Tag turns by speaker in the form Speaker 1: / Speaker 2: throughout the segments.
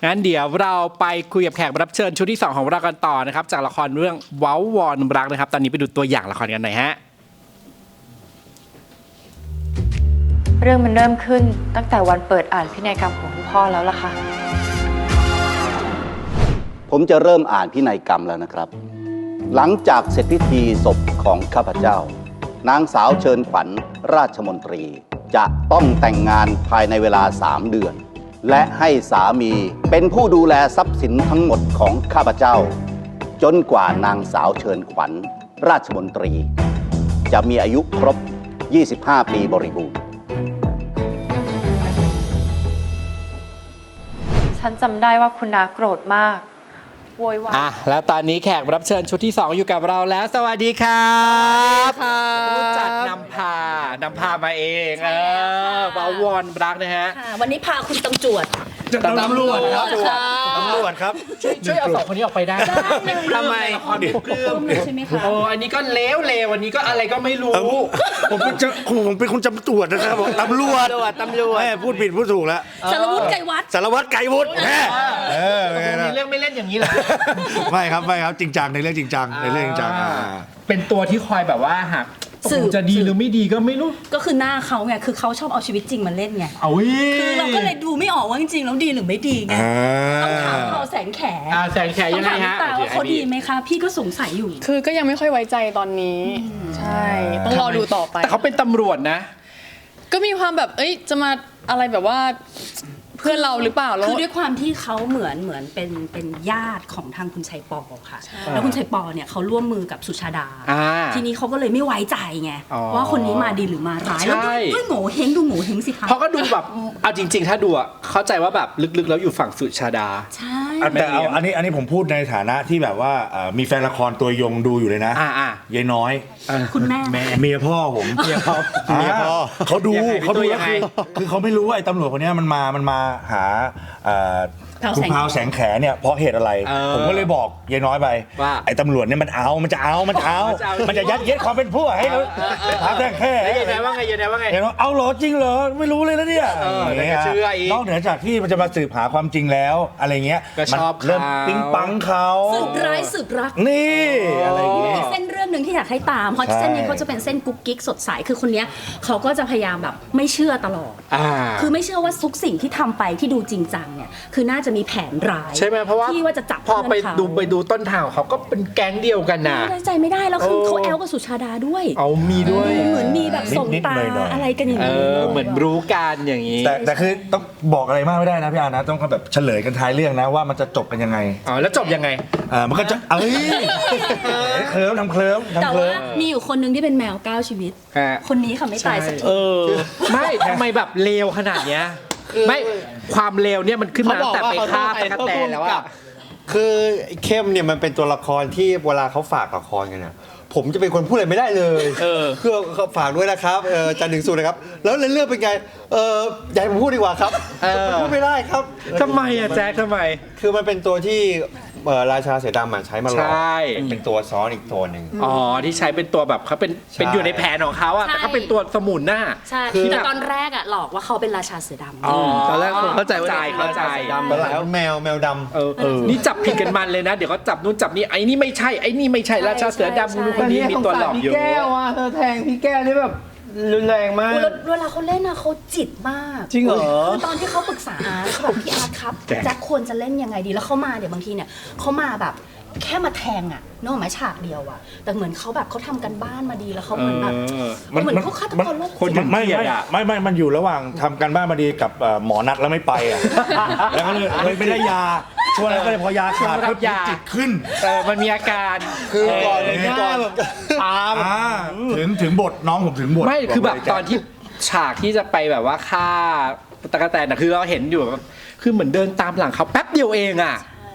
Speaker 1: งั้นเดี๋ยวเราไปคุยกับแขกรับเชิญชุดที่2ของเรากันต่อนะครับจากละครเรื่องเว้าวอนรักนะครับตอนนี้ไปดูตัวอย่างละครกันหน่อยฮะ
Speaker 2: เรื่องมันเริ่มขึ้นตั้งแต่วันเปิดอ่านพินัยกรรมของคุณพ่อแล้วล่ะค่ะ
Speaker 3: ผมจะเริ่มอ่านพินัยกรรมแล้วนะครับหลังจากเสร็จพิธีศพของข้าพเจ้านางสาวเชิญขวัญราชมนตรีจะต้องแต่งงานภายในเวลา3 เดือนและให้สามีเป็นผู้ดูแลทรัพย์สินทั้งหมดของข้าพเจ้าจนกว่านางสาวเชิญขวัญราชมนตรีจะมีอายุครบ25 ปีบริบูรณ์
Speaker 2: ฉันจำได้ว่าคุณนาโกรธมากโวยวาย
Speaker 1: แล้วตอนนี้แขกรับเชิญชุดที่2อยู่กับเราแล้วสวัสดีครับผู้จัดนำพามาเองเว้าวอนรักนะฮะ
Speaker 4: วันนี้พาคุณตำรวจ
Speaker 1: ตำรวจ
Speaker 5: ครับ
Speaker 1: ช่วยเอา2 คนนี้ออกไปได้ทำไมความเพื่อม
Speaker 4: ใช่ไหมคะ
Speaker 1: อันนี้ก็เลววันนี้ก็อะไรก็ไม่รู้
Speaker 5: ผมเป็นคนจำตรวจนะครับตำรวจพูดผิดพูดถูกแล้ว
Speaker 4: สารวัตรไก่วัด
Speaker 1: มีเรื่องไม่เล่นอย่างนี้เหรอ
Speaker 5: ไม่ครับจริงจังในเรื่องจริงจัง
Speaker 1: เป็นตัวที่คอยแบบว่าหากจะดีหรือไม่ดีก็ไม่รู้
Speaker 4: ก็คือหน้าเขาไงคือเขาชอบเอาชีวิตจริงมาเล่นไงคือเราก็เลยดูไม่ออกว่าจริงๆแล้วดีหรือไม่ดีไงต้องถามเขาแสงแข
Speaker 1: ยังไงฮะ
Speaker 4: ว่าเขาดีไหมคะพี่ก็สงสัยอยู่
Speaker 2: คือก็ยังไม่ค่อยไว้ใจตอนนี้ใช่ต้องรอดูต่อไป
Speaker 1: แต่เขาเป็นตำรวจนะ
Speaker 2: ก็มีความแบบจะมาอะไรแบบว่าเพื่อนเราหรือเปล่า
Speaker 4: คือด้วยความที่เขาเหมือนเป็นญาติของทางคุณชัยปอค่ะแล้วคุณชัยปอเนี่ยเขาร่วมมือกับสุชาดาทีนี้เขาก็เลยไม่ไว้ใจไงว่าคนนี้มาดีหรือมาร้ายแล้วด้วยโง่เฮงดูโง่เฮงสิคะ
Speaker 1: เขาก็ดูแบบเอาจริงๆถ้าดูเข้าใจว่าแบบลึกๆแล้วอยู่ฝั่งสุชาดา
Speaker 4: ใช่
Speaker 5: แต่เอาอันนี้ผมพูดในฐานะที่แบบว่ามีแฟนละครตัวยงดูอยู่เลยนะยายน้อย
Speaker 4: คุณแม่
Speaker 5: เมียพ่อผมเมียพ่อเขาดู
Speaker 1: ยังไง
Speaker 5: คือเขาไม่รู้ว่าไอ้ตำรวจคนนี้มันมาหาคุณพาวแสงแขเนี่ยเพราะเหตุอะไรผมก็เลยบอกยายน้อยไปว่าไอ้ตำรวจเนี่ยมันจะยัดเยียดความเป็นผู้ให้พาวแสงแข
Speaker 1: ยังไงว่าไง
Speaker 5: เอาเหรอจริงเหรอไม่รู้เลยนะเนี่ยนอกเหนือจากที่มันจะมาสืบหาความจริงแล้วอะไรเงี้ย
Speaker 1: มัน
Speaker 5: เริ่มปิ๊งปังเขา
Speaker 4: สืบร้ายสืบรัก
Speaker 5: นี่อะไรอย่างเงี้ย
Speaker 4: เส้นเรื่องหนึ่งที่อยากให้ตามเพราะเส้นนี้เขาจะเป็นเส้นกุ๊กกิ๊กสดใสคือคนนี้เขาก็จะพยายามแบบไม่เชื่อตลอดคือไม่เชื่อว่าทุกสิ่งที่ทำไปที่ดูจริงจังเนี่ยคือน่าจะมีแผนร้าย
Speaker 1: ใช่ไหมเพราะว่า
Speaker 4: ที่ว่าจะจับ
Speaker 1: พอไปดูต้นทางเขาก็เป็นแก๊งเดียวกันนะ
Speaker 4: ใจไม่ได้แล้วคือเขาแอลกับสุชาดาด้วย
Speaker 1: มีด้วย
Speaker 4: เหมือนมีแบบส่งตาอะไรกันอย่างนี้
Speaker 1: เหมือนรู้กันอย่างนี้
Speaker 5: แต่คือต้องบอกอะไรมากไม่ได้นะพี่อานะต้องแบบเฉลยกันท้ายเรื่องนะว่ามันจะจบกันยังไง
Speaker 1: แล้วจบยังไง
Speaker 5: มันก็จะเคลิ้ม
Speaker 4: แต่ว่ามีอยู่คนนึงที่เป็นแมว9 ชีวิตคนนี้ค่ะไม่ตายสักที
Speaker 1: ไม่ทำไมแบบเลวขนาดเนี้ยไม่ความเลวเนี่ยมันขึ้นมาแต่ไปฆ่าไปแตนแล้วอะ
Speaker 6: คือเข้มเนี่ยมันเป็นตัวละครที่เวลาเขาฝากละครกันเนี่ยผมจะเป็นคนพูดอะไรไม่ได้เลยคือฝากด้วยนะครับจันทร์ถึงศุกร์นะครับแล้วเรื่องเป็นไงอยากให้ผมพูดดีกว่าครับพูดไม่ได้ครับ
Speaker 1: ทำไมอะแจ๊คทำไม
Speaker 6: คือมันเป็นตัวที่ราชาเสือดำใช้มาหลอกเป็นตัวซ้อนอีกตัวหนึ่ง
Speaker 1: ที่ใช้เป็นตัวแบบเขาเป็นอยู่ในแผนของเขาอะแต่เขาเป็นตัวสมุนน่ะ
Speaker 4: ใช่คือตอนแรกอะหลอกว่าเขาเป็นราชาเสือด
Speaker 1: ำตอนแรกผมเข้าใจ
Speaker 6: ดำแล้วแมวด
Speaker 1: ำนี่จับผิดกันมันเลยนะเดี๋ยวเขาจับนู่นจับนี่ไอ้นี่ไม่ใช่ไอ้นี่ไม่ใช่ราชาเสือดำคนนี้มีตัวหลอกอยู่
Speaker 7: พี่แก้วอ่ะเธอแทงพี่แก้วนี่แบบรุนแรงมาก
Speaker 4: เวลาเขาเล่นนะเขาจิตมาก
Speaker 7: จริงเหรอ
Speaker 4: คือตอนที่เขาปรึกษาเขาแบบพี่อาร์ตครับแจ็คควรจะเล่นยังไงดีแล้วเขามาเดี๋ยวบางทีเนี่ยเขามาแบบแค่มาแทงอ่ะนอกหมายฉากเดียวอ่ะแต่เหมือนเขาแบบเขาทำกันบ้านมาดีแล้วเขาเหมือนแบบเหมือนเขาฆาตกรโรคจิต
Speaker 5: ไม่มันอยู่ระหว่างทำกันบ้านมาดีกับหมอนัดแล้วไม่ไปอ่ะแล้วก็เลยไม่ได้ยาช่วงนั้นก็เลยพอยาขาดก็จิตขึ้น
Speaker 1: มันมีอาการ
Speaker 6: คือก่อน
Speaker 5: ตามถึงบทน้องผมถึงบท
Speaker 1: ไม่คือแบบตอนที่ฉากที่จะไปแบบว่าฆ่าตะกะแตนคือเราเห็นอยู่คือเหมือนเดินตามหลังเขาแป๊บเดียวเองอ่ะ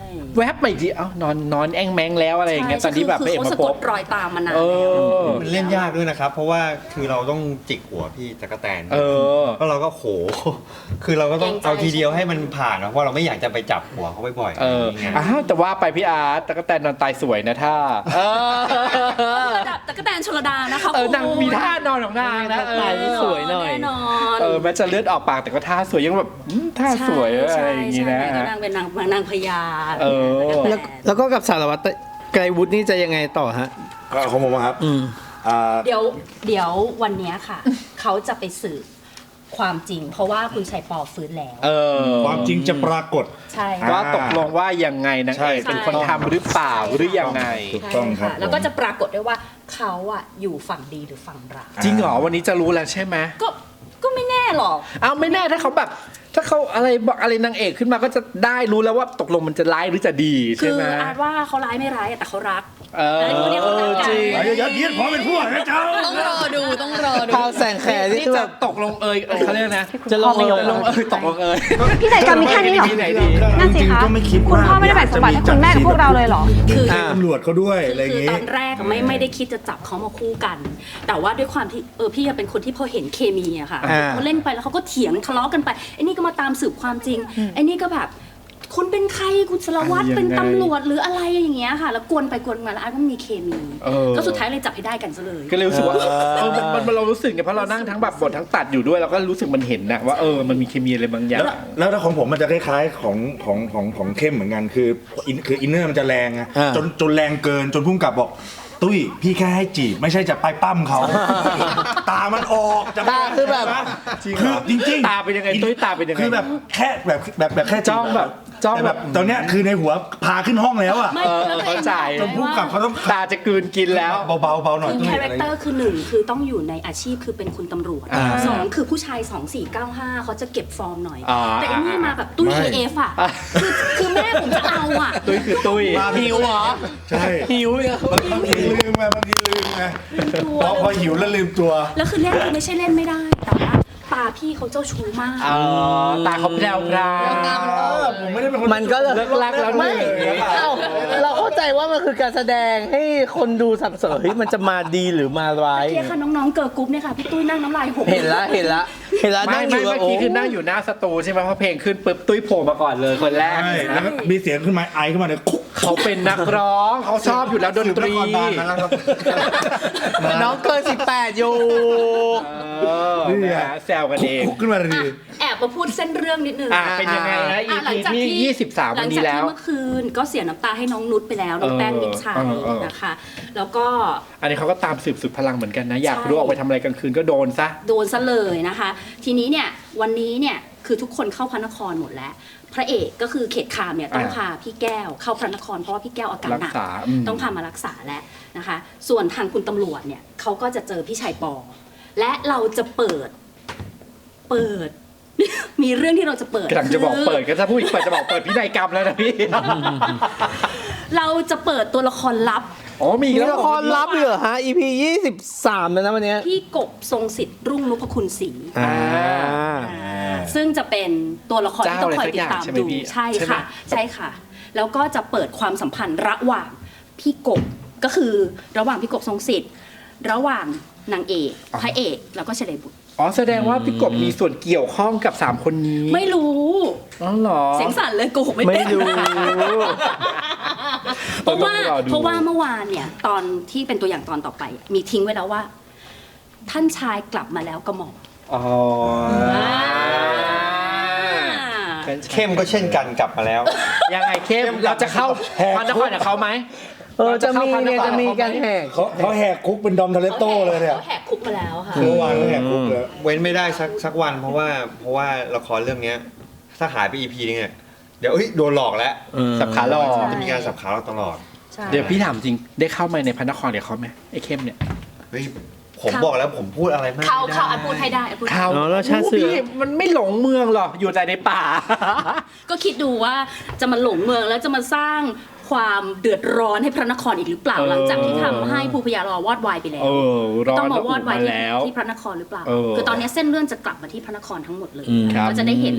Speaker 1: แวบไปอีกทีเอ้านอนแองแมงแล้วอะไรอย่างเงี้ยตอนที่แบบพระเอก
Speaker 4: เขา
Speaker 1: มา
Speaker 4: สะ
Speaker 1: พ
Speaker 4: ก
Speaker 1: บ
Speaker 4: ดรอยตามมานาน
Speaker 1: เอ
Speaker 4: แล้ว
Speaker 1: อ
Speaker 6: มันเล่นยากด้วยนะครับ เพราะว่าคือเราต้องจิกหัวพี่จักรแตน
Speaker 1: เออ
Speaker 6: แล้วเราก็โห คือเราก็ต้อง
Speaker 4: เกรงใจ
Speaker 6: เอาทีเดียวให้มันผ่านนะเพราะเราไม่อยากจะไปจับหัวเขาบ่อยๆ
Speaker 1: เออ
Speaker 6: อย่างเงี้ย
Speaker 1: อ้าวแต่ว่าไปพี่อาร์ตตะกแตนนอนตายสวยนะท่า
Speaker 4: ระดับตะกแตนชลดานะคะ
Speaker 1: นางมีท่านอนของนางนะ
Speaker 7: ตายที่สวยหน่อย
Speaker 4: แน่นอน
Speaker 1: แม้จะเลือดออกปากแต่ก็ท่าสวยยังแบบท่าสวยอะไรอย่างงี้นะ
Speaker 4: ใช่ก็นางเป็นนางพญา
Speaker 1: เออ
Speaker 7: แล้วก็กับสารวัตรไกรวุฒินี่จะยังไงต่อฮะ
Speaker 5: ก็ของผมอะครับอ่า
Speaker 4: เดี๋ยววันเนี้ยค่ะ เขาจะไปสืบความจริง เพราะว่าคุณชัยปอฟื้นแล้ว
Speaker 5: ความจริงจะปรากฏ
Speaker 4: ใช่
Speaker 1: ว่าตกลงว่ายังไงนางเอกเป็นคนทำหรือเปล่าหรือยังไง
Speaker 5: ถูกต้องครับ
Speaker 4: ใช่ะแล้วก็จะปรากฏด้วยว่าเขาอะอยู่ฝั่งดีหรือฝั่งร้าย
Speaker 1: จริงเหรอวันนี้จะรู้แล้วใช่ไหม
Speaker 4: ก็ไม่แน่หรอก
Speaker 1: เอาไม่แน่ถ้าเขาแบบถ้าเขาอะไรบอกอะไรนางเอกขึ้นมาก็จะได้รู้แล้วว่าตกลงมันจะร้ายหรือจะดี
Speaker 4: คื
Speaker 1: ใช่
Speaker 4: อ
Speaker 1: ไหม
Speaker 4: อาจว่าเขาร้ายไม่ร้ายอะแต่เขารัก
Speaker 1: จริง
Speaker 5: อย่ายัดเยียดความเป็นพวกนะเจ้า
Speaker 4: ต้องรอดู
Speaker 7: พาวแสงแขนี่
Speaker 1: นี่
Speaker 7: คือ
Speaker 1: จะ
Speaker 7: แบบ
Speaker 1: ตกลงเขาเรียกนะ
Speaker 7: จะลงเอย
Speaker 1: ลงตกลงเอย
Speaker 8: พี่นายกรรมมีแค่นี้เหรอ
Speaker 1: ที่ไหนดี
Speaker 8: นั่นสิคะ
Speaker 5: ก็ไม่คิด
Speaker 8: คุณ
Speaker 5: ว่า
Speaker 8: พ่อไม่ได้แบ่งสมบัติให้คุณแม่กับพวกเราเลยเหรอ
Speaker 4: คือ
Speaker 5: ตำรวจเขาด้วยอะไรอย่าง
Speaker 4: คือ
Speaker 5: งี้
Speaker 4: ตอนแรกไม่ได้คิดจะจับเขามาคู่กัน แต่ว่าด้วยความที่พี่เป็นคนที่พอเห็นเคมีอะค่ะเขาเล่นไปแล้วเขาก็เถียงทะเลาะกันไปไอ้นี่ก็มาตามสืบความจริงไอ้นี่ก็แบบคุณเป็นใครคุณสารวัตรเป็นตำรวจหรืออะไรอย่างเงี้ยค่ะ แล้วกวนไปกวนมาแล้วอาร์ตก็มีเคมีก็สุดท้ายเลยจับให้ได้กันซะเลย
Speaker 1: ก็เลยรู้สึกว่ามันเรารู้สึกไงเพราะเรานั่งทั้งแบบบททั้งตัดอยู่ด้วยเราก็รู้สึกมันเห็นนะว่ามันมีเคมีอะไรบางอย่าง
Speaker 5: แล้วถ้าของผมมันจะคล้ายๆของเข้มเหมือนกันคืออินเนอร์มันจะแรงอะจนแรงเกินจนพุ่งกลับบอกตุ้ยพี่แค่ให้จีบไม่ใช่จะไปปั้มเขา ตามันออกจะ
Speaker 7: ตาคือแบบ
Speaker 5: คือจริงๆ
Speaker 1: ตาเป็นยังไงตุ้ยตาเป็นยังไง
Speaker 5: คือแบบแค่แบบแค่
Speaker 1: จ้องแบบจ้อง
Speaker 5: แต่แบบตอนเนี้ยคือในหัวพาขึ้นห้องแล้วอะ
Speaker 4: ไม่แล้วตัว
Speaker 1: เข้า
Speaker 4: เอง
Speaker 1: ใจ
Speaker 5: จนพุ่งกลับเขาต้อง
Speaker 1: ตาจะกลืนกินแล้ว
Speaker 5: เบาๆหน่อย
Speaker 4: คือ
Speaker 5: ตุ้ย
Speaker 4: คาแรคเตอร์คือหนึ่งคือต้องอยู่ในอาชีพคือเป็นคุณตำรวจสองคือผู้ชาย 2495เขาจะเก็บฟอร์มหน่อย แต่อันนี้มาแบบตุ้ย AF อ่ะคือแม่ผมจะเอาอ่ะ
Speaker 1: ตุ้ยคือตุ้ย
Speaker 7: หิวเหรอ
Speaker 5: ใช่
Speaker 7: หิวเนี่ย
Speaker 5: บางทีลืมไงพอหิวแล้วลืมตัว
Speaker 4: แล้วคือเล่นคือไม่ใช่เล่นไม่ได้ แต่ว่าตาพี่เขาเจ้าชู้มาก
Speaker 1: ตาเขาแพรว
Speaker 5: ผมไม่ได้เป็นคน
Speaker 7: มันก็เลย
Speaker 1: เลิกลักแล้ว
Speaker 7: ไม่
Speaker 1: เนี่ย
Speaker 7: เอ้าเราเข้าใจว่ามันคือการแสดงให้คนดูสับสนเฮ้ยมันจะมาดีหรือมาร้าย
Speaker 4: เพียค่ะน้องๆเกิร์ลกรุ๊ปเนี่ยค่ะพี่ตุ้ยนั่งน้ำลายหก
Speaker 7: เห็นละ
Speaker 1: ไม่
Speaker 7: นั่งอยู่
Speaker 1: เมื่อกี้คือนั่งอยู่หน้าสตูใช่ไหมเพราะเพลงขึ้นปุ๊บตุ้ยโผล่มาก่อนเลยคนแรก
Speaker 5: ใช่แล้วก็มีเสียงขึ้นมาไอขึ้นมาเลยคุก
Speaker 1: เขาเป็นนักร้องเขาชอบอยู่แล้วดนตรี
Speaker 7: น้องเกิน18อยู่
Speaker 1: แซวกันเอง
Speaker 5: คุกขึ้นมาเลยดี
Speaker 4: แอบมาพูดเส้นเรื่องนิดนึง
Speaker 1: เป็นยังไงนะ
Speaker 4: หลัง
Speaker 1: EP
Speaker 4: จาก
Speaker 1: ที่23 วันนี้แล้ว
Speaker 4: หลังจากที่เมื่อคืนก็เสียน้ำตาให้น้องนุชไปแล้วน้องแป้งมิตรชัยนะคะ แล้วก็
Speaker 1: อันนี้เขาก็ตามสืบสุดพลังเหมือนกันนะ อยากรู้ออกไปทำอะไรกลางคืนก็โดนซะ
Speaker 4: โดนซะเลยนะคะ ทีนี้เนี่ยวันนี้เนี่ยคือทุกคนเข้าพระนครหมดแล้ว พระเอกก็คือเขตคามเนี่ยต้องพาพี่แก้วเข้าพระนครเพราะว่าพี่แก้วอาการหนัก
Speaker 1: รักษา
Speaker 4: ต้องพามารักษาแล้วนะคะ ส่วนทางคุณตำรวจเนี่ยเขาก็จะเจอพี่ชัยปอ และเราจะเปิด มีเรื่องที่เราจะเปิด
Speaker 1: กำลังจะบอกเปิดก็ถ้าพูดอีกเปิดจะบอกเปิดพินัยกรรมแล้วนะพี่
Speaker 4: เราจะเปิดตัวละครลับ
Speaker 1: มี
Speaker 7: มีละครลับเหรอฮะ EP 23แล้วนะวันเนี้ย
Speaker 4: พี่กบทรงสิทธิ์รุ่งนพคุณศรี ซึ่งจะเป็นตัวละครที่ต้องคอยติดตามดูใช่ค่ะ แล้วก็จะเปิดความสัมพันธ์ระหว่างพี่กบก็คือระหว่างพี่กบทรงสิทธิ์ระหว่างนางเอกพระเอกแล้วก็เฉลยบุตร
Speaker 1: แสดงว่าพี่กบมีส่วนเกี่ยวข้องกับ3คนนี้
Speaker 4: ไม่รู้
Speaker 1: เหรอ
Speaker 4: เสียงสั่นเลยโกหกไม่
Speaker 7: ไม่
Speaker 4: เป็น
Speaker 7: รู้
Speaker 4: เพราะว่าเมื่อวานเนี่ยตอนที่เป็นตัวอย่างตอนต่อไป มีทิ้งไว้แล้วว่า ท่านชายกลับมาแล้วกระหม่อม
Speaker 6: เข้มก็เช่นกันกลับมาแล้ว
Speaker 1: ยังไงเข้มเราจะเข้าพระนครกับเขาไหม
Speaker 7: จะมีการแหก
Speaker 5: เขาแหกคุกเป็นดอมทาเลโต้เลยเนี่ย
Speaker 4: เขาแหกคุกมาแล้วค่ะ
Speaker 5: เมื่อวานเขาแหกคุกเลย
Speaker 6: เว้นไม่ได้สักวันเพราะว่าละครเรื่องเนี้ยถ้าหายไป EP นึงเนี่ยเดี๋ยวโดนหลอกแล้ว
Speaker 1: สับขาหลอก
Speaker 6: จะมีการสับขาเราตลอด
Speaker 1: เดี๋ยวพี่ถามจริงได้เข้ามาในพระนครเดี๋ยวเขาไหมไอ้เข้มเนี่ย
Speaker 6: เฮ้ยผมบอกแล้วผมพูดอะไรมาก
Speaker 4: เขาอ่ะพูดให้ได้พูด
Speaker 1: เข้า
Speaker 7: แล้วชาติเสือ
Speaker 1: พี่มันไม่หลงเมืองหรอกอยู่แต่ในป่า
Speaker 4: ก็คิดดูว่าจะมาหลงเมืองแล้วจะมาสร้างความเดือดร้อนให้พระนครอีกหรือเปล่าหลังจากที่ทำให้ภูพยารอวอดวายไปแล้ว
Speaker 1: ร้อน
Speaker 4: ต้องมาวอดวาย
Speaker 1: แล้ว
Speaker 4: ที่พระนครหรือเปล่าคือตอนนี้เส้นเรื่องจะกลับมาที่พระนครทั้งหมดเลย
Speaker 1: ครับ
Speaker 4: ก็จะได้เห็น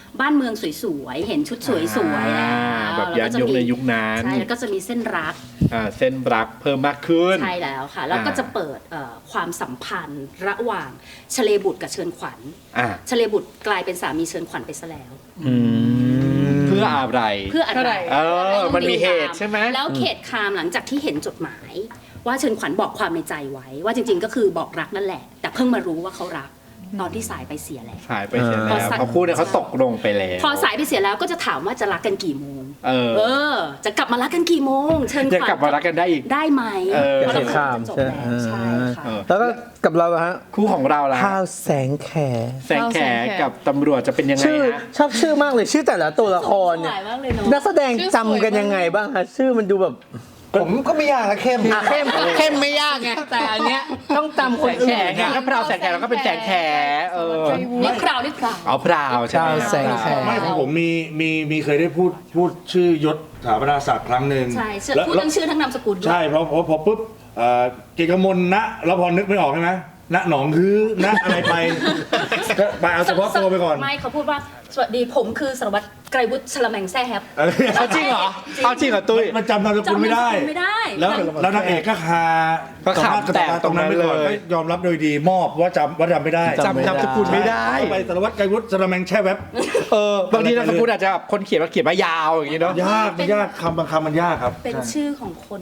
Speaker 4: บ้านเมืองสวยๆเห็นชุดสวยๆแล้ว
Speaker 1: แบบย้อนยุคในยุคนั้น
Speaker 4: ใช่แล้วก็จะมีเส้นรัก
Speaker 1: เส้นรักเพิ่มมากขึ้น
Speaker 4: ใช่แล้วค่ะ แล้วก็จะเปิดความสัมพันธ์ระหว่างชเลบุตรกับเชิญขวัญชเลบุตรกลายเป็นสามีเชิญขวัญไปซะแล้ว
Speaker 1: เพื่ออะไร
Speaker 4: เพื่ออะไร
Speaker 1: มันมีเหตุใช่ไหม
Speaker 4: แล้วเขตคามหลังจากที่เห็นจดหมาย ว่าเชิญขวัญบอกความในใจไว้ ว่าจริงๆก็คือบอกรักนั่นแหละ แต่เพิ่งมารู้ว่าเขารักตอนที่สายไปเสียแล้ว
Speaker 1: สายไปเสียแล้วเพราะคู่เนี่ยเขาตกลงไปแล้ว
Speaker 4: พอสายไปเสียแล้วก็จะถามว่าจะรักกันกี่โมงจะกลับมารักกันกี่โมงเชิญขวัญ
Speaker 1: จะกลับมารักกันได้อีก
Speaker 4: ได้ไหมเพราะเราจะจบแล้วใช่ค่ะ
Speaker 7: แล้วก็กับเราฮะ
Speaker 1: คู่ของเราล่ะ
Speaker 7: พาวแสงแข
Speaker 1: แสงแขกับตำรวจจะเป็นยังไง
Speaker 7: ชื่อ
Speaker 1: ฮะ
Speaker 7: ชอบชื่อมากเลยชื่อแต่ละตัวละครเนี่ย
Speaker 4: สวยมากเลยเนอะ
Speaker 7: นักแสดงจำกันยังไงบ้างฮะชื่อมันดูแบบ
Speaker 6: ผมก็ไม่ยากนะเข้ม
Speaker 7: เข้มไม่ยากไงแต่อันเนี้ยต้องจำคน
Speaker 1: แข
Speaker 7: อื่น
Speaker 1: ไงก็พราวแสงแขแล้วก็เป็นแสงแข
Speaker 4: นี่คราวนี่คราว
Speaker 1: เอาพราวใช่ไหม
Speaker 7: แสงแข
Speaker 5: ไม่ของผมมีเคยได้พูดชื่อยศสถาปนาศักดิ์ครั้งหนึ่ง
Speaker 4: ใช่พูดทั้งชื่อทั้งนามสกุลด้วย
Speaker 5: ใช่เพราะปุ๊บเกกมลนะแล้วพอนึกไม่ออกใช่ไหมณหนองคือณอะไรไปก็ไปเอาเฉพาะตัวไปก่อน
Speaker 4: ไม่เขาพูดว่าสวัสดีผมคือสารวัตรไกรวุฒิชลแมงแซ่แฮป
Speaker 1: เขาจริงเหรอเขาจริงเหรอตุ้ย
Speaker 5: มันจำนามสกุลไม่ได้
Speaker 4: จำนามสกุลไม่ได้
Speaker 5: แล้วนางเอกก็คา
Speaker 1: ก็ขำแตก
Speaker 5: ตรงนั้นไปก่อน
Speaker 1: ตรงนั้นเลย
Speaker 5: ก็ยอมรับโดยดีมอบว่าจำไม่ได้
Speaker 1: จำนามสกุลไม่ได้
Speaker 5: ไปสารวัตรไกรวุฒิสระแมงแช่แวบบ
Speaker 1: างทีนามสกุลอาจจะแบบคนเขียนมายาวอย่างนี้เนาะ
Speaker 5: ยากคำบางคำมันยากครับ
Speaker 4: เป็น
Speaker 5: ใช่
Speaker 4: ชื่อของคน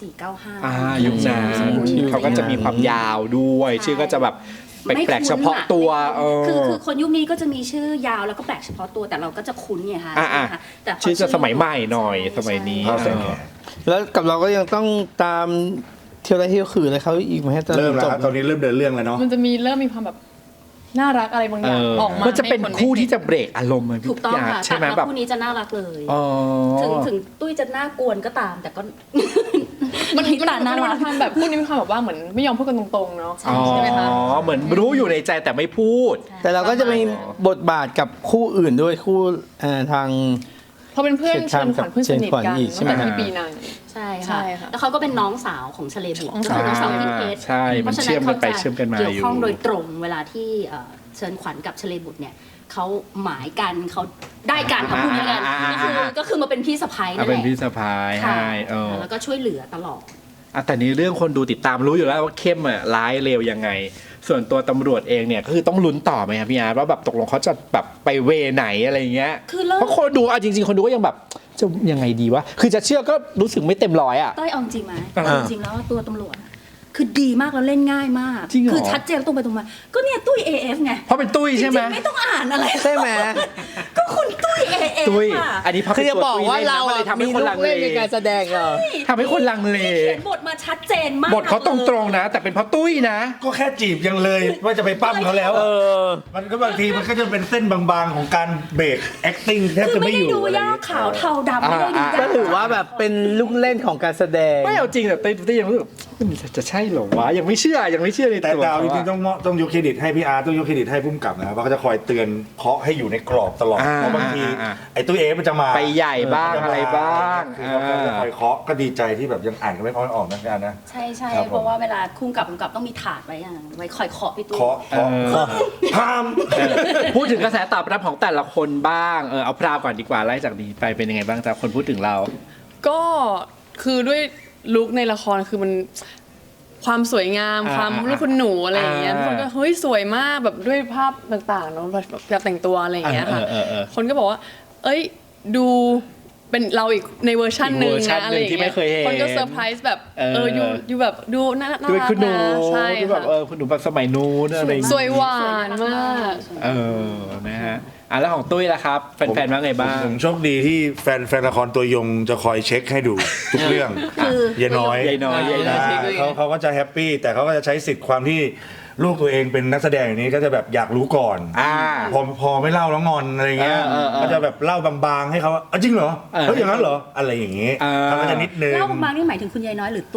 Speaker 4: 2495
Speaker 1: ยุคนั้นเขาก็จะมีความยาวด้วย ชื่อก็จะแบบแปลกๆเฉพาะตัว
Speaker 4: คือคนยุคนี้ก็จะมีชื่อยาวแล้วก็แปลกเฉพาะตัวแต่เราก็จะคุ้นไงคะ แต่พ
Speaker 1: ชื่อจะสมัยใหม่หน่อยสมัยนี้
Speaker 7: แล้วกับเราก็ยังต้องตามเที่ยวไรเที่ยวขืนอะไรเขาอีกไหมฮะ
Speaker 5: เริ่มแล้ว
Speaker 7: จบ
Speaker 5: ครับตอนนี้เริ่มเดินเรื่องแล้วเนาะ
Speaker 8: มันจะเริ่มมีความแบบน่ารักอะไรบางอย่างออกมา
Speaker 1: มันจะเป็นคู่ที่จะเบรกอารมณ์มัน
Speaker 4: ถูกต้องค่ะ
Speaker 1: ใช่ไหม
Speaker 4: แต่
Speaker 1: แบบ
Speaker 4: คู่นี้จะน่ารักเลย
Speaker 1: อ๋อ
Speaker 4: ถึงตุ้ยจะน่ากวนก็ตามแต่ก็
Speaker 8: มัน
Speaker 4: มีตาน่า
Speaker 8: มี
Speaker 4: รัก
Speaker 8: ความแบบคู่นี้มีความแบบว่าเหมือนไม่ยอมพูดกันตรงๆเนาะใช่ไหมคะ
Speaker 1: เหมือนรู้อยู่ในใจแต่ไม่พูด
Speaker 7: แต่เราก็จะมีบทบาทกับคู่อื่นด้วยคู่ทาง
Speaker 8: เขาเป็นเพื่อนเชิญขวัญเพื่อนสนิทกัน
Speaker 7: เชิญขวัญอีกใช่ไหม
Speaker 8: ตั้งแต่ที่ปีนั้น
Speaker 4: ใช่
Speaker 8: ใช่
Speaker 4: ค่ะ
Speaker 8: ค่ะ
Speaker 4: แล้วเขาก็เป็นน้องสาวของชเลบุตรก็คือน้องสาวพี่เพชร
Speaker 1: ใช่มันเชื่อมกันไปเชื่อมกันมาอยู่
Speaker 4: เกี่ยวข้องโดยตรงเวลาที่เชิญขวัญกับชเลบุตรเนี่ยเขาหมายกันเขาได้การทำพูดนี้กันก็คือมาเป็นพี่สะใภ้นั่นแห
Speaker 1: เป็น
Speaker 4: ละ
Speaker 1: พี่สะพาย
Speaker 4: ค่ะ
Speaker 1: ให้
Speaker 4: แล้วก็ช่วยเหลือตลอด
Speaker 1: แต่นี้เรื่องคนดูติดตามรู้อยู่แล้วว่าเข้มร้ายเลวยังไง ส่วนตัวตำรวจเองเนี่ยก็คือต้องลุ้นต่อไหมครับพี่อาร์ตว่าแบบตกลงเขาจะแบบไปเวไหนอะไรเงี้ย
Speaker 4: คือเริ่ม
Speaker 1: เพราะคนดูจริงๆคนดูก็ยังแบบจะยังไงดีวะคือจะเชื่อก็รู้สึกไม่เต็มร้อยอ่ะ
Speaker 4: ต้อยเอาจริงไหมจริงแล้วตัวตำรวจคือดีมากแล้วเล่นง่ายมาก
Speaker 1: จริงเหรอ
Speaker 4: คือชัดเจนตรงไปตรงมาก็เนี่ยตุ้ย AF ไง
Speaker 1: เพราะเป็นตุ้ยใช่ไหม
Speaker 4: จริงๆไม่ต้องอ่านอะไร
Speaker 7: ใช่ไหม
Speaker 4: ก็คุณตุ้ย AF
Speaker 1: ตุ้ย
Speaker 4: ค่ะ
Speaker 1: อันนี้พอ
Speaker 7: คือ
Speaker 1: เป็น
Speaker 7: จะ
Speaker 1: ตัว
Speaker 7: บอก
Speaker 1: ตุ้ย
Speaker 7: ว่า
Speaker 1: เล่น
Speaker 7: เรา
Speaker 1: นะมันเลยทำให้
Speaker 7: มี
Speaker 1: คน
Speaker 7: ลู
Speaker 1: ลั
Speaker 7: ก
Speaker 1: งเล
Speaker 7: เล่นในการแสดงเหรอ
Speaker 1: ทำให้คนลังเล
Speaker 4: เขียนบทมาชัดเจนมาก
Speaker 1: บทเขาตรงๆนะ แต่เป็นเพราะตุ้ยนะ
Speaker 5: ก็แค่จีบยังเลยว่าจะไปปั้มเขาแล้วมันก็บางทีมันก็จะเป็นเส้นบางๆของการเบรก acting แทบ
Speaker 4: คือ
Speaker 5: จะ
Speaker 4: ไม่
Speaker 5: ไม่อ
Speaker 4: ได้
Speaker 5: ยู่
Speaker 4: ดู
Speaker 5: อะไร
Speaker 4: ยาก
Speaker 5: เงี้ย
Speaker 4: ขาวเทาดำไม่ได้ดูยาก
Speaker 7: ก็ถือว่าแบบเป็นลูกเล่นของการแสดง
Speaker 1: ไม่เอาจริงแต่ตุ้ยยังรู้สึกมันจะใช่เหรอวะยังไม่เชื่อใน
Speaker 5: แต่
Speaker 1: ตัว
Speaker 5: ดาว
Speaker 1: เขา
Speaker 5: จริงๆต้องยกเครดิตให้พี่อาร์ต้องยกเครดิตให้พุ่มกับนะครับว่าเขาจะคอยเตือนเคาะให้อยู่ในกรอบตลอดเพราะบางทีไอ้ตู้เอฟมันจะมา
Speaker 1: ไปใหญ่บ้างอะไรบ้าง
Speaker 5: คือเขาจะคอยเคาะก็ดีใจที่แบบยังอ่านกันไม่ค่อยออกนะพี่อาร์นะ
Speaker 4: ใช่ใช่
Speaker 5: ครับผม
Speaker 4: เพราะว่าเวลาคุ้มกับต้องมีถาดไว้ไว้คอยเคาะพี่ตุ้ย
Speaker 5: เคาะพาม
Speaker 1: พูดถึงกระแสตอบรับของแต่ละคนบ้างเอาพราวก่อนดีกว่าไล่จากนี้ไปเป็นยังไงบ้างแต่คนพูดถึงเรา
Speaker 8: ก็คือด้วยลุคในละครคือมันความสวยงามความลูกคุณหนูอะไรอย่างเงี้ยทุกคนก็เฮ้ยสวยมากแบบด้วยภาพต่างๆเนาะแบบแต่งตัวอะไรอย่างเงี้ยค่ะคนก็บอกว่าเอ้ยดูเป็นเราอีกในเวอร์ชันหนึ่งนะอะไรอย่างเงี้ยคนก็เซอร์ไพรส์แบบอยู่แบบดูน่ารัก
Speaker 1: ด้วยคุณหนู
Speaker 8: ใช่
Speaker 1: ดูแบบ
Speaker 8: ค่ะ
Speaker 1: คุณหนูแบบสมัยนู้นอะไรอย่าง
Speaker 8: ส
Speaker 1: เงี้ย
Speaker 8: วยหวานมาก
Speaker 1: นะฮะแล้วของตุ้ยล่ะครับแฟนๆว่าไงบ้าง
Speaker 5: ผมโชคดีที่แฟนละครตัวยงจะคอยเช็คให้ดูทุกเรื่อง
Speaker 4: คือ
Speaker 5: เยายน้อย
Speaker 1: ยายน้อย
Speaker 5: เขาก็จะแฮปปี้แต่เขาก็จะใช้สิทธิ์ความที่ลูกตัวเองเป็นนักแสดงอย่างนี้ก็จะแบบอยากรู้ก่อนพอไม่เล่าแล้วงอนอะไรเงี้ยก็จะแบบเล่าบางๆให้เขาจริงเหรอเฮ้ยอย่างนั้นเหรออะไรอย่างงี้เขาก็จะนิดนึง
Speaker 4: เล่าบางๆนี่หมายถึงคุณยายน้อยหรือตุ้ย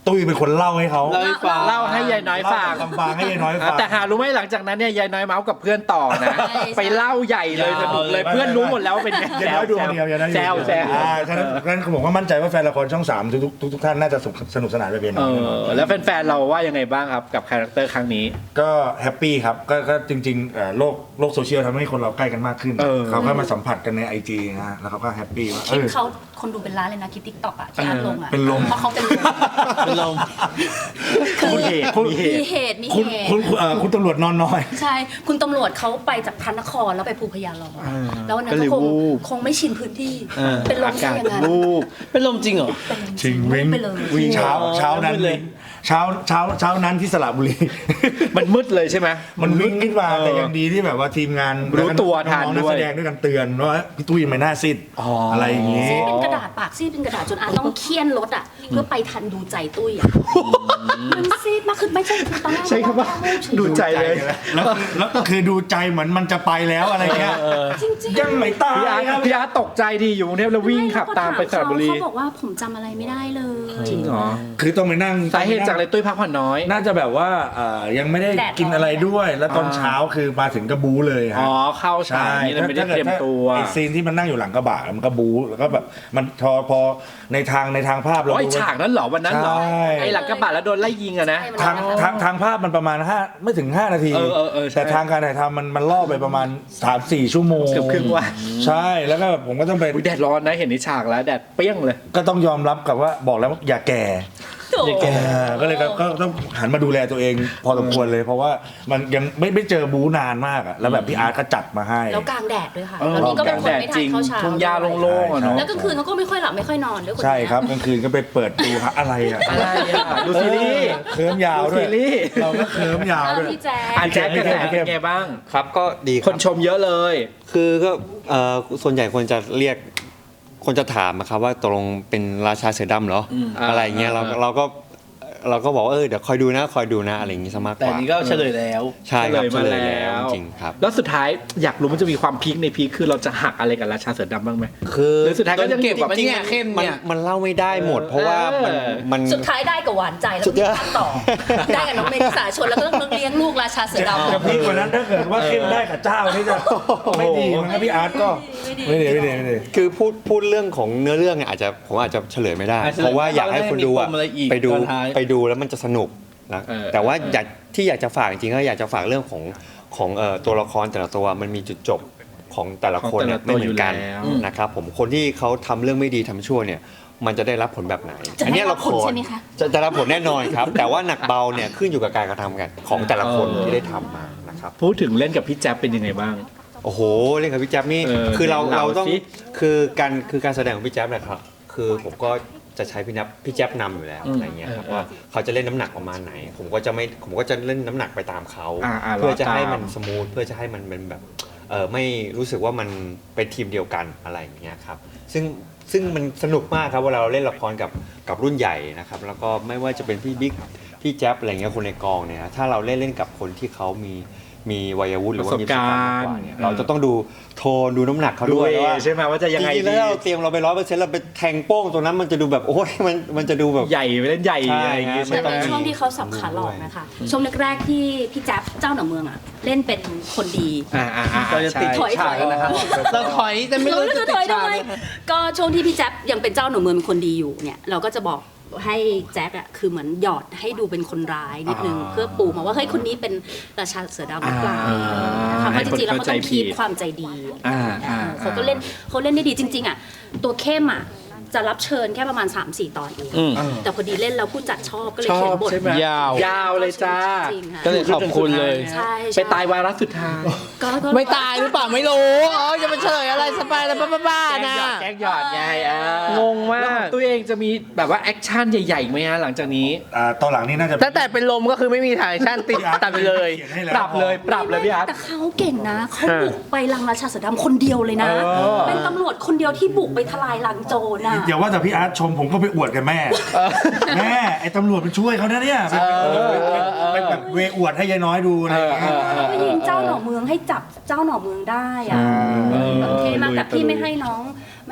Speaker 5: ตุ้ยเป็นคนเล่าให้เขา
Speaker 7: เล่าให้ฟัง
Speaker 1: เล่าให้ยายน้อยฟัง
Speaker 5: ฟังให้ยายน้อยฟัง
Speaker 1: แต่หารู้ไหมหลังจากนั้นเนี่ยยายน้อยเมาส์กับเพื่อนต่อนะ ไปเล่าใหญ่เลยสนุกเลยเพื่อนรู้หมดแล้วว่าเป็นไง
Speaker 5: ยายน้อยดูคนเดียวยายน้อยดู
Speaker 1: แซวแซว
Speaker 5: ฉะนั้นผมก็มั่นใจว่าแฟนละครช่อง3ทุกท่านน่าจะสนุกสนานไปเป็น
Speaker 1: แล้วแฟนๆเราว่ายังไงบ้างครับกับคาแรคเตอร์ครั้งนี้
Speaker 5: ก็แฮปปี้ครับก็จริงๆโลกโซเชียลทำให้คนเราใกล้กันมากขึ้นเขาก็มาสัมผัสกันใน IG นะฮะแล้วเขาก็แฮปปี้ว่า
Speaker 4: คลิปเขาคนดูเป็นล้านเลยนะคลิป TikTok อ่ะที่อัพลงอ่ะ
Speaker 5: เป็นลม
Speaker 4: เพราะเขาเป็นลม
Speaker 7: เป็นลม
Speaker 4: คือ
Speaker 1: มีเหตุ
Speaker 4: มีเหตุ
Speaker 5: คุณตำรวจนอนน้อย
Speaker 4: ใช่ คุณตำรวจเขาไปจากพระนครแล้วไปภูพยาลอแล้ววันนั้น
Speaker 7: ก็เลย
Speaker 4: ก็
Speaker 7: วูบ
Speaker 4: คงไม่ชินพื้นที่ เป็นลมซะอย่างนั้น
Speaker 7: วูบเป็นลมจริงเหรอ
Speaker 4: เป็นลม
Speaker 5: จริงวิ่ง
Speaker 4: ไปเลย
Speaker 5: เช้านั้น
Speaker 7: มืดเลย
Speaker 5: เช้านั้นที่สระบุรี
Speaker 1: มันมืดเลยใช่ไหม
Speaker 5: มันวิ่งขึ้นมาแต่ยังดีที่แบบว่าทีมงาน
Speaker 1: รู้ตัวทัน
Speaker 5: องๆนัก
Speaker 1: ด้วย
Speaker 5: แสดงด้วยกันเตือนว่าพี่ตุ้ยไม่น่าซีดอะไรอย่างงี้
Speaker 4: ซีดเป็นกระดาษปากซีดเป็นกระดาษจนอาต้องเคี่ยนรถอ่ะเพื่อไปทันดูใจตุ้ยอ่ะมันซีดมากคือไม่ใช่ตอนแรก
Speaker 1: ใช่ครับว่าดูใจเลย
Speaker 5: แล้วคือดูใจเหมือนมันจะไปแล้วอะไรเงี้ย
Speaker 4: จริงๆ
Speaker 5: ยังไม่ตาย
Speaker 1: พี่อาร์ตตกใจดีอยู่กรุงเทพแล้ววิ่งขับตามไปสระบุรี
Speaker 4: เขาบอกว่าผมจำอะไรไม่ได้เลย
Speaker 1: จริงเหรอ
Speaker 5: คือต้องไปนั่ง
Speaker 1: สาเหตุจากอะไรตุ้ยพักผ่อนน้อย
Speaker 5: น่าจะแบบว่ายังไม่ได้กินอะไรด้วย แล้วตอนเช้าคือมาถึงก็บู๊เลยฮะ
Speaker 1: อ๋อเข้าฉากนี้เลยไม่ได้เตรียมตัว
Speaker 5: ไอซีนที่มันนั่งอยู่หลังกระบะมันก็บู๊แล้วก็แบบมันพอในทางภาพเรา
Speaker 1: อ๋อไอ
Speaker 5: ดู
Speaker 1: ฉากนั้นเหรอวันนั้นเหรอ
Speaker 5: ใช่
Speaker 1: ไอหลังกระบะแล้วโดนไล่ยิงอะนะ
Speaker 5: ทางภาพมันประมาณไม่ถึง 5 นาที
Speaker 1: ใช่
Speaker 5: แต่ทางการถ่ายทำมันล่อไปประมาณ 3-4 ชั่วโมง
Speaker 1: เกือบครึ่งวัน
Speaker 5: ใช่แล้วก็แบบผมก็ต้องไป
Speaker 1: อุ๊ยแดดร้อนนะเห็นในฉากแล้วแดดเปรี้ยงเลย
Speaker 5: ก็ต้องยอมรับกับว่าบอกแล้วว่าอย่าแก่ ก็เลยก็ต้องหันมาดูแลตัวเองพอสมควรเลย เพราะว่ามันยังไม่เจอบู๊นานมากอะแล้วแบบพี่อาร์ตก็จัดมาให้
Speaker 4: แล้วกลางแดดด้วยค่ะแล้วนี่ก็เป็นคนไม่ทานข้าวเช้า
Speaker 1: ทุ่งหญ้าโล่งๆอะเนาะ
Speaker 4: แล้วกลางคืนเขาก็ไม่ค่อยหลับไม่ค่อยนอนด้วยคน
Speaker 5: ใช่
Speaker 4: เนี้ย
Speaker 5: ครับกลางคืนก็ไปเปิดดูฮะอะไรอะ
Speaker 1: อะไรอะดูซีรีส์
Speaker 5: เคิร์มยาวด้วย
Speaker 1: ดูซีรีส์
Speaker 5: เราก็เคิร์มยาว
Speaker 4: เอา
Speaker 5: ด้วย
Speaker 4: พี่แจ๊ค
Speaker 1: อ่านแจ๊คกระแสเป็นไงบ้าง
Speaker 6: ครับก็ดีค
Speaker 1: ครับ นชมเยอะเลย
Speaker 6: คือก็ส่วนใหญ่คนจะเรียกคนจะถามนะครับว่าตกลงเป็นราชาเสือดำเหรออะไรเงี้ยเราก็บอกว่าเดี๋ยวคอยดูนะอะไรอย่างงี้ซะมากก
Speaker 7: แต่
Speaker 6: ว่า
Speaker 7: นี้ก็เฉลยแล้ว
Speaker 6: ใช่ครับ
Speaker 1: เฉ
Speaker 6: เฉ
Speaker 1: ล
Speaker 6: ล
Speaker 1: ย
Speaker 6: ย
Speaker 1: มา
Speaker 6: แล้ว
Speaker 1: แล้ว
Speaker 6: จริงครับ
Speaker 1: แล้วสุดท้ายอยากรู้มันจะมีความพีคในพีคคือเราจะหักอะไรกับราชาเสือดำบ้างไหม
Speaker 6: คือ
Speaker 1: หรือสุดท้ายก็ยัง
Speaker 7: เก็บ
Speaker 1: แบบ
Speaker 7: มันเนี่ยเข้มเนี่ย
Speaker 6: มันเล่าไม่ได้หมด เพราะว่ามัน
Speaker 4: สุดท้ายได้กับหวานใจแล้วก็มีภาคต่อ ได้กับน้องเมษาชนแล้วก็ต้องเลี้ยงลูกราชาเสือดำ
Speaker 5: จะพีกกว่านั้นถ้าเกิดว่าเข้มได้กับเจ้านี่จะไม่ดีมั้งครับพี่อาร์ตก็ไม่ดี
Speaker 6: คือพูดเรื่องของเนื้อเรื่องเนี่ยผมอาจจะเฉลยไม่ได้ เพราะว่าอยากให้คนดูอะ
Speaker 7: มีปมอะไรอีก
Speaker 6: ไปดู
Speaker 7: ตอนท้าย
Speaker 6: ไปดูแล้วมันจะสนุกนะแต่ว่าอยากจะฝากจริงๆก็อยากจะฝากเรื่องของตัวละครแต่ละตัวมันมีจุดจบของแต่ละคนเนี่ยไม่เหมือนกันนะครับผมคนที่เขาทำเรื่องไม่ดีทำชั่วเนี่ยมันจะได้รับผลแบบไหน
Speaker 4: จะได้รับผล
Speaker 6: ละค
Speaker 4: ใช่ไหมคะ
Speaker 6: จะรับผลแน่นอนครับ แต่ว่าหนักเบาเนี่ยขึ้นอยู่กับการกระทำกันของแต่ละคนที่ได้ทำมานะครับ
Speaker 1: พูดถึงเล่นกับพี่แจ๊บเป็นยังไงบ้าง
Speaker 6: โอ้โหเล่นกับพี่แจ๊บนี่ คือเราต้องคือการแสดงของพี่แจ๊บนะครับคือผมก็จะใช้พี่แจ๊บนำอยู่แล้วอะไรเงี้ยครับว่าเขาจะเล่นน้ำหนักประมาณไหน ผมก็จะเล่นน้ำหนักไปตามเขาเพื่อจะให้มันสมูทเพื่อจะให้มันเป็นแบบไม่รู้สึกว่ามันเป็นทีมเดียวกันอะไรอย่างเงี้ยครับซึ่งมันสนุกมากครับเวลาเราเล่นละครกับรุ่นใหญ่นะครับแล้วก็ไม่ว่าจะเป็นพี่บิ๊กพี่แจ๊บอะไรเงี้ยคนในกองเนี่ยถ้าเราเล่นกับคนที่เขามีวัยวุฒิหรือว่ามีประสบการณ์มากกว่าเนี่ยเราจะต้องดูโทนดูน้ำหนักเขาด้วยว่า
Speaker 1: ใช่ไหมว่าจะยังไง
Speaker 6: จริงๆ
Speaker 1: ดี
Speaker 6: แล้วเราเตรียมเราไป100%เราไปแทงโป้งตรงนั้นมันจะดูแบบโอ้ยมันจะดูแบบ
Speaker 1: ใหญ่ไปเล่นใหญ่
Speaker 6: ใช่
Speaker 1: อะไรอย่างงี้
Speaker 6: ใช่
Speaker 1: ใช่
Speaker 4: แต่
Speaker 1: ไหม
Speaker 4: ในช่วงที่เขาสับขาหลอกนะคะช่วงแรกๆที่พี่แจ๊บเจ้าหน่อเมืองอ่ะเล่นเป็นคนดี
Speaker 7: เราจะติด
Speaker 4: ถอย
Speaker 7: ฉากแล้วนะครับเราถอยแต่ไม่รู้จะติดฉากเลย
Speaker 4: ก็ช่วงที่พี่แจ๊บยังเป็นเจ้าหน่อเมืองเป็นคนดีอยู่เนี่ยเราก็จะบอกให้แจ็คอะคือเหมือนหยอดให้ดูเป็นคนร้ายนิดนึงเพื่อปูมาว่าเฮ้ยคนนี้เป็นราชาเสือดำหรือเปล่านะคะเพราะจริงๆแล้วเขาต้องคีบความใจดีเขาก็เล่นได้ดีจริงๆอะตัวเข้มอะจะรับเชิญแค่ประมาณ 3-4 ตอนเองแต่พอดีเล่นแล้วผู้จัดชอบก็เลยเขียนบท
Speaker 1: ใช่ไหม
Speaker 7: ยาว
Speaker 1: ยาวเลยจ้า
Speaker 4: จริงค่ะ
Speaker 7: ก็เลยขอบคุณเลย
Speaker 4: ใช่
Speaker 1: ไปตายวาระสุดท้าย
Speaker 4: ก็
Speaker 7: ไม่ตายหรือเปล่าไม่รู้จะมาเฉลยอะไรสปายอะไรบ้าๆนะ
Speaker 1: แกล้งหยอดไง
Speaker 7: งงมาก
Speaker 1: แล้วของตัวเองจะมีแบบว่าแอคชั่นใหญ่ๆไหมฮะหลังจากนี้
Speaker 5: ตอนหลังนี่น่าจะ
Speaker 7: ตั้งแต่เป็นลมก็คือไม่มีถ่ายชั่นติดตัดไปเลย
Speaker 1: ปรับเลยพี่อาร์ต
Speaker 4: แต่เขาเก่งนะเขาบุกไปรังราชาเสือดำคนเดียวเลยนะ เป็นตำรวจคนเดียวที่บุกไปทลายรังโจรน่ะ
Speaker 5: อย่าว่าแต่พี่อาร์ตชมผมก็ไปอวดกับแม่ไอ้ตำรวจมันช่วยเขานะเนี่ยไปแบบเวอวดให้ยายน้อยดูอะไรอย่างเงี้ย
Speaker 4: ก็ยิงเจ้าหน่อเมืองให้จับเจ้าหน่อเมืองได้อะแบบเท่มากแต่พี่ไม่ให้น้อง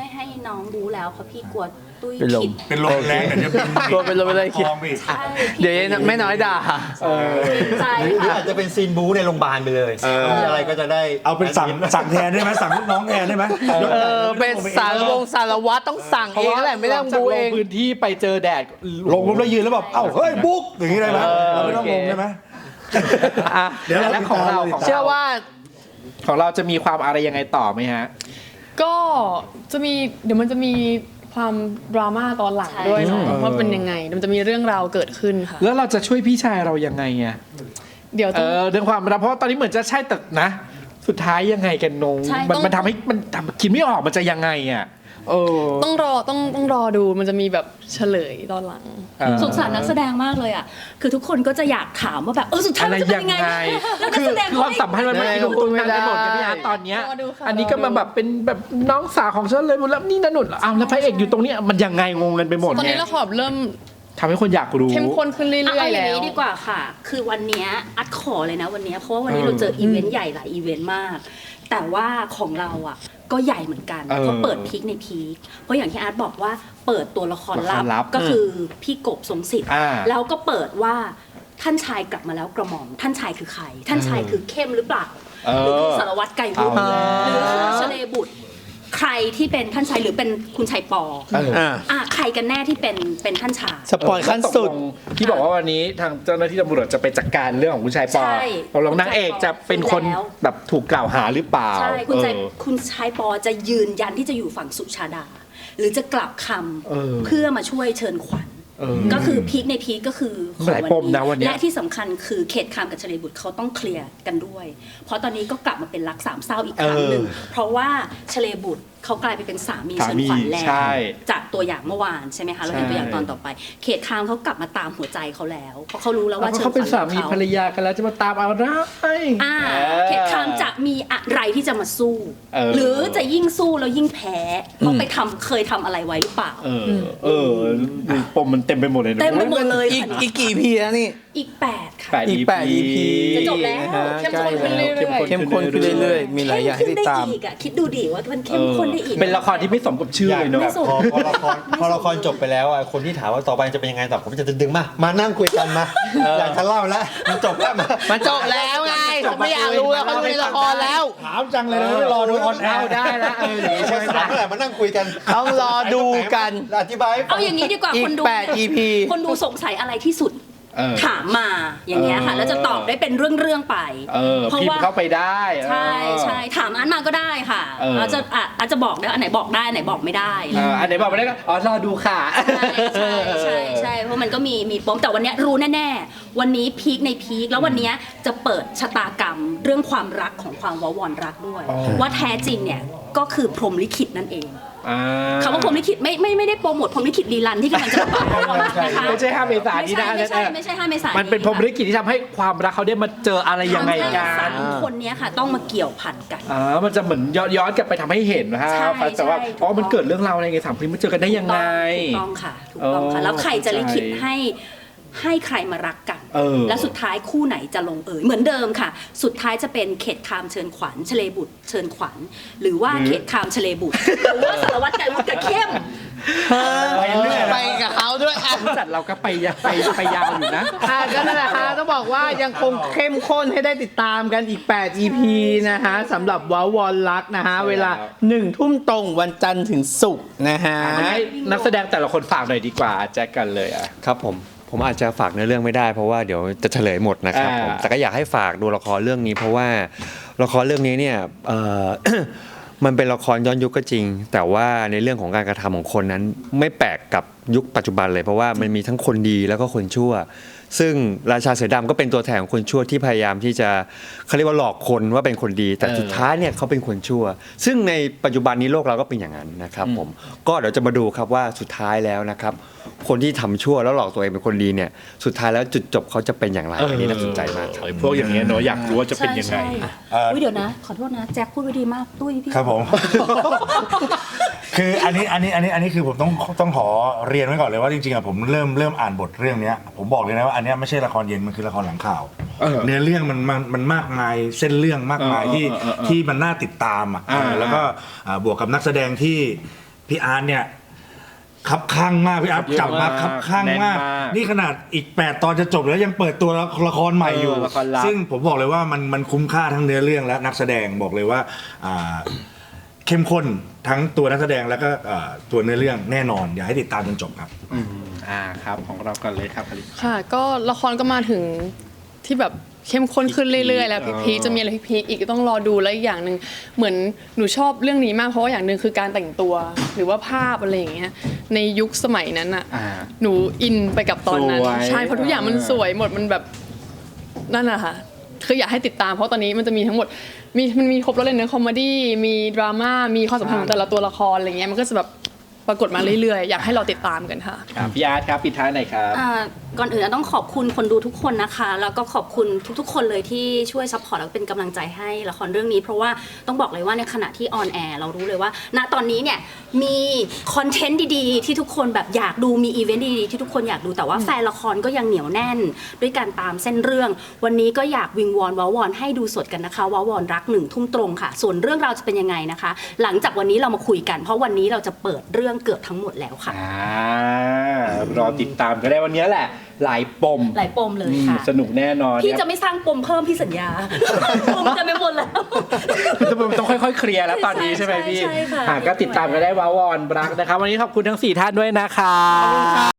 Speaker 4: น้องรู้แล้วเพราะพี่กลัวตุ้ย
Speaker 7: เป็นลม
Speaker 4: ผิด
Speaker 5: เป็นลมแรงเดี๋ยวจะ
Speaker 7: กลัวเป็นลมไปเลย
Speaker 5: คลองไปอีก
Speaker 4: ใช่
Speaker 7: เดี๋ยวแม่น้อยด่า
Speaker 4: ใจ
Speaker 6: หรือ
Speaker 4: ค่ะ
Speaker 6: อาจจะเป็นซีนบู๊ในโรงพยาบาลไปเลยมีอะไรก็จะได้
Speaker 5: เอาเป็นสั่งแทนได้ไหมสั่งลูกน้องแทนได้ไหม
Speaker 7: เป็นสารวัตรต้องสั่งเองแหละไม่ต้องบูเอง
Speaker 1: พื้นที่ไปเจอแดด
Speaker 5: ลงปุ๊บแล้วยืนแล้วแบบเอ้าเฮ้ยบุ๊กอย่างนี้ได้ไหมเราไม่ต้องลงได้ไหม
Speaker 1: อ่ะ
Speaker 5: เดี๋ยวเรา
Speaker 1: แล้วของเรา
Speaker 7: เชื่อว่า
Speaker 1: ของเราจะมีความอะไรยังไงต่อไหมฮะ
Speaker 8: ก็จะมีเดี๋ยวมันจะมีความดราม่าตอนหลังด้วยค่ะว่าเป็นยังไงมันจะมีเรื่องราวเกิดขึ้นค่ะ
Speaker 1: แล้วเราจะช่วยพี่ชายเรายังไงอ่ะ
Speaker 8: เดี๋ยวต้อง
Speaker 1: เรื่องความรักเพราะว่าตอนนี้เหมือนจะใช่แต่นะ สุดท้ายยังไงกันนง
Speaker 4: ใช่
Speaker 1: มันทำให้มันทำคิดไม่ออกมันจะยังไงอ่ะ
Speaker 8: ต้องรอดูมันจะมีแบบเฉลยตอนหลัง
Speaker 4: สงสารนักแสดงมากเลยอ่ะคือทุกคนก็จะอยากถามว่าแบบสุดท้าย
Speaker 1: อะไร
Speaker 4: มันจะเป็
Speaker 1: ยั
Speaker 4: น
Speaker 1: ง
Speaker 4: ยังไง
Speaker 1: ไง
Speaker 4: แล้วนัก
Speaker 1: คือ
Speaker 4: แสดง
Speaker 1: ความสัมพันธ์มันไม่ลงตัวกันไปหมดไงพี่อาร์ตตอนเนี้ย
Speaker 8: รอดูค่ะ
Speaker 1: อันนี้ก็มาแบบเป็นแบบน้องสาวของฉันเลยแล้วนี่นั่นนู่นอ้าวแล้วพระเอกอยู่ตรงเนี้ยมันยังไงงงกันไปหมด
Speaker 8: ตอน
Speaker 1: ไง
Speaker 8: นี้ละครเริ่ม
Speaker 1: ทำให้คนอยากรู้
Speaker 8: เข้มข้นขึ้นเรื่
Speaker 4: เอา
Speaker 8: อยๆ
Speaker 4: อย่า
Speaker 8: แล้
Speaker 4: ง
Speaker 8: ว
Speaker 4: นี้ดีกว่าค่ะ คือวันเนี้ยอัดขอเลยนะวันเนี้ยเพราะว่าวันนี้เราเจออีเวนต์ใหญ่หลายอีเวนต์มาก แต่ว่าของเราอ่ะก็ใหญ่เหมือนกันเพราะเปิดพีคในพีคเพราะอย่างที่อาร์ตบอกว่าเปิดตัวละครลับก็คือพี่กบทรงสิทธิ์แล้วก็เปิดว่าท่านชายกลับมาแล้วกระหม่อมท่านชายคือใคร ท่านชายคือเข้มหรือเปล่าหรือคือสารวัตรไก่วุฒิหรือคือชเลบุตรใครที่เป็นท่านชายหรือเป็นคุณชายปอใครกันแน่ที่เป็นท่านชาย
Speaker 7: สปอยขั้นสุด
Speaker 1: ที่บอกว่าวันนี้ทางเจ้าหน้าที่ตำรวจจะไปจัดการเรื่องของคุณชายปอ
Speaker 4: ใช่
Speaker 1: ตกลงนางเอกจะเป็นคน
Speaker 4: แล้ว
Speaker 1: แบบถูกกล่าวหาหรือเปล่า
Speaker 4: ใช่คุณชายปอจะยืนยันที่จะอยู่ฝั่งสุชาดา หรือจะกลับคำเพื่อมาช่วยเชิญขวัญก็คือพีคในพีคก็คือของ
Speaker 1: หลายปมนะวันนี้
Speaker 4: และที่สำคัญคือเขตคามกับเฉลยบุตรเขาต้องเคลียร์กันด้วย เพราะตอนนี้ก็กลับมาเป็นรักสามเศร้าอีกครั้งหนึ่งเพราะว่าเฉลยบุตรเขากลายไปเป็นสามีเชิญขวัญแล้ว
Speaker 1: ใช่
Speaker 4: จากตัวอย่างเมื่อวานใช่ไหมคะเราเห็นตัวอย่างตอนต่อไป เขตคามเขากลับมาตามหัวใจเขาแล้วเพราะเขารู้แล้วว่า
Speaker 1: เพราะ
Speaker 4: เชิญข
Speaker 1: เขา
Speaker 4: วัญ
Speaker 1: เป็นสามี
Speaker 4: ของ
Speaker 1: ภร
Speaker 4: เขา
Speaker 1: รยากันแล้วจะมาตามเอาอะไร
Speaker 4: เขตคามจะมีอะไรที่จะมาสู้ หรือจะยิ่งสู้แล้วยิ่งแพ้เขาไปเคยทำอะไรไว้หรือเปล่า
Speaker 1: ปมมันเต็มไปหมดเลยนะ
Speaker 4: เต็มไปหมดเลย
Speaker 7: อีกกี่พีแล้วนี่
Speaker 4: อีก 8 ค่ะ
Speaker 7: อีก8 EP
Speaker 4: จะจบแล้ว
Speaker 8: เข้มข้นขึ้นเรื่อยๆ
Speaker 7: เข้มข้นขึ้นเรื่อยๆ มีหลายอย่างให้ติดตาม
Speaker 4: เข้ข้นได้อีกอะคิดดูดิว่ามันเข้มข้นได้อีก
Speaker 1: เป็นละครที่ไม่สมกับชื่อเลยเนาะ
Speaker 4: ไม่สม
Speaker 6: พอละครจบไปแล้วอ่ะคนที่ถามว่าต่อไปจะเป็นยังไงต่อผมจะดึงมานั่งคุยกันมาอยากจะเล่าแล้วมันจบแล้วมา
Speaker 7: มันจบแล้วไงเขาไม่อยากรู้แล้วเขาจะมีละครแล้ว
Speaker 5: ถามจังเลยนะไม่รอดูออนแอ
Speaker 1: เอา
Speaker 5: ร์
Speaker 1: ได้ละอย่างนี้
Speaker 6: ค
Speaker 1: ใช่
Speaker 6: น
Speaker 1: ไหม
Speaker 6: ถามเมื่อไหร่มานั่งคุยกัน
Speaker 7: ต้องรอดูกัน
Speaker 6: อธิบายให้ฟั
Speaker 4: เอาอย่างนี้ดีกว่า
Speaker 7: อีก
Speaker 4: คนดู
Speaker 7: 8 EP
Speaker 4: คนดูสงสัยอะไรที่สุด ถามมาอย่างเงี้ยค่ะแล้วจะตอบได้เป็นเรื่องๆไป เพราะ
Speaker 1: พิม
Speaker 4: ว่า
Speaker 1: พ์เข้าไปได้
Speaker 4: ใช่ถามอันมาก็ได้ค่ะอาจจะบอกได้อันไหนบอกได้อันไหนบอกไม่ได้
Speaker 1: อันไหนบอกไม่ได้ก็รอดูค่ะ
Speaker 4: ใช่เพราะมันก็มีปมแต่วันเนี้ยรู้แน่ๆวันนี้พีคในพีคแล้ววันเนี้ยจะเปิดชะตากรรมเรื่องความรักของความววรรักด้วย ว่าแท้จริงเนี่ยก็คือพรหมลิขิตนั่นเองคำว่าพรหมลิขิตไม่ได้โปรโมทพรหมลิขิตรีรันที่กำลังจะมานะคะ
Speaker 1: ไม่ใช่5 เมษายนนี้นะ
Speaker 4: ไม่ใช่5 เมษายน
Speaker 1: มันเป็นพรหมลิขิตที่ทำให้ความรักเขาได้มาเจออะไรยังไงกั
Speaker 4: ทำให้
Speaker 1: น
Speaker 4: สามคนเนี้ยค่ะต้องมาเกี่ยวพันกัน
Speaker 1: มันจะเหมือนย้อนกลับไปทำให้เห็นนะฮะ
Speaker 4: ใช่
Speaker 1: แต่ว่า
Speaker 4: ใช่
Speaker 1: อ๋อมันเกิดเรื่องราวอะไรไงสามคนนี้มาเจอกันได้ยังไง
Speaker 4: ถูกต้องค่ะแล้วใครจะลิขิตให้ใครมารักกัน แล้วสุดท้ายคู่ไหนจะลงเอยเหมือนเดิมค่ะ สุดท้ายจะเป็นเขตคามเชิญขวัญเฉลบุตรเชิญขวัญหรือว่าเขตคามเฉลบุตรหรือว่าสารวัตรไก่วุฒิกับเข้ม
Speaker 7: ไปกับเขาด้วยอ่ะ
Speaker 1: จัดเราก็ไปยาวอยู่นะ
Speaker 7: ก็นั่นแหละฮะต้องบอกว่ายังคงเข้มข้นให้ได้ติดตามกันอีก8 EP นะฮะสำหรับว้าวอนรักนะฮะเวลา 1 ทุ่มตรงวันจันทร์ถึงศุกร์นะฮะ
Speaker 1: ให้นักแสดงแต่ละคนฝากหน่อยดีกว่าแจ็คกันเลยอ่ะ
Speaker 6: ครับผมอาจจะฝากเนื้อเรื่องไม่ได้เพราะว่าเดี๋ยวจะเฉลยหมดนะครับผมแต่ก็อยากให้ฝากดูละครเรื่องนี้เพราะว่าละครเรื่องนี้เนี่ย มันเป็นละครย้อนยุคก็จริง แต่ว่าในเรื่องของการกระทำของคนนั้นไม่แปลกกับยุคปัจจุบันเลยเพราะว่ามันมีทั้งคนดีแล้วก็คนชั่ว ซึ่งราชาเสือดำก็เป็นตัวแทนของคนชั่วที่พยายามที่จะเขาเรียกว่าหลอกคนว่าเป็นคนดี แต่สุดท้ายเนี่ยเขาเป็นคนชั่ว ซึ่งในปัจจุบันนี้โลกเราก็เป็นอย่างนั้นนะครับผมก็เดี๋ยวจะมาดูครับว่าสุดท้ายแล้วนะครับคนที่ทำชั่วแล้วหลอกตัวเองเป็นคนดีเนี่ยสุดท้ายแล้วจุดจบเขาจะเป็นอย่างไรอันนี้น่าสนใจมากครับ
Speaker 1: พวกอย่างเงี้ยเนาะอยากรู้ว่าจะเป็นยังไง
Speaker 4: อุ้ยเดี๋ยวนะขอโทษนะแจ็คพูดไว้ดีมากตุ้ยพี่
Speaker 5: ครับผม คืออันนี้คือผมต้องขอเรียนไว้ก่อนเลยว่าจริงๆอะผมเริ่มอ่านบทเรื่องเนี้ยผมบอกเลยนะว่าอันเนี้ยไม่ใช่ละครเย็นมันคือละครหลังข่าวเนื้อเรื่องมันมากมายเส้นเรื่องมากมายที่มันน่าติดตามอ่ะแล้วก็บวกกับนักแสดงที่พี่อาร์ตเนี่ยคับข้างมากพี่อาร์ตกลับมาคับข้างมาก
Speaker 1: แน่นมาก
Speaker 5: นี่ขนาดอีก8 ตอนจะจบแล้วยังเปิดตัวละครใหม่อยู่
Speaker 1: ละครลับ
Speaker 5: ซึ่งผมบอกเลยว่ามันคุ้มค่าทั้งเนื้อเรื่องและนักแสดงบอกเลยว่าเข้มข้นทั้งตัวนักแสดงแล้วก็ตัวเนื้อเรื่องแน่นอนอยากให้ติดตามจนจบครับ
Speaker 1: ครับของเราก่อนเลยครับผลิต
Speaker 8: ค่ะ ก็ละครก็มาถึงที่แบบเข้มข้นขึ้นเรื่อยๆแล้วพีคๆจะมีอะไรพีคๆอีกก็ต้องรอดูแล้วอีกอย่างหนึ่งเหมือนหนูชอบเรื่องนี้มากเพราะว่าอย่างหนึ่งคือการแต่งตัวหรือว่าภาพอะไรอย่างเงี้ยในยุคสมัยนั้นอ่ะหนูอินไปกับตอนนั้น
Speaker 1: สวย
Speaker 8: ใช่เพราะทุกอย่างมันสวยหมดมันแบบนั่นแหละค่ะคืออยากให้ติดตามเพราะตอนนี้มันจะมีทั้งหมดมันมีครบแล้วเลยเนื้อคอมเมดี้มีดราม่ามีความสัมพันธ์ของแต่ละตัวละครอะไรเงี้ยมันก็จะแบบปรากฏมาเรื่อยๆอยากให้เราติดตามกันค่ะ
Speaker 1: พี่อาร์ตครับปิดท้ายหน่อยครับ
Speaker 4: ก่อนอื่นต้องขอบคุณคนดูทุกคนนะคะ แล้วก็ขอบคุณทุกๆ คนเลยที่ช่วยซัพพอร์ตแล้วก็เป็นกำลังใจให้ละครเรื่องนี้ เพราะว่าต้องบอกเลยว่าในขณะที่ออนแอร์เรารู้เลยว่าณตอนนี้เนี่ยมีคอนเทนต์ดีๆที่ทุกคนแบบอยากดูมีอีเวนต์ดีๆที่ทุกคนอยากดูแต่ว่าแฟนละครก็ยังเหนียวแน่นด้วยการตามเส้นเรื่องวันนี้ก็อยากวิงวอนว้าวอนให้ดูสดกันนะคะว้าวอนรัก1 ทุ่มตรงค่ะส่วนเรื่องราวจะเป็นยังไงนะคะ หลังจากวันนี้เรามาคุยกันเพราะวันนี้เราจะเปิดเรื่องเกือบทั้งหมดแล้วค่ะ
Speaker 1: รอติดตามก็ได้วันนี้แหละหลายปม
Speaker 4: หลายปมเลยค่ะ
Speaker 1: สนุกแน่นอน
Speaker 4: พี่จะไม่สร้างปมเพิ่มพี่สัญญา ปมจะไม่หมดแล้ว
Speaker 1: ต้องค่อยๆเคลียร์แล้วตอนนี้ใช่ไหมพี่
Speaker 4: ใช่ค่ะ
Speaker 1: ก็ติดตามกันได้ว้าวอนรักนะครับวันนี้ขอบคุณทั้ง4ท่านด้วยนะครับ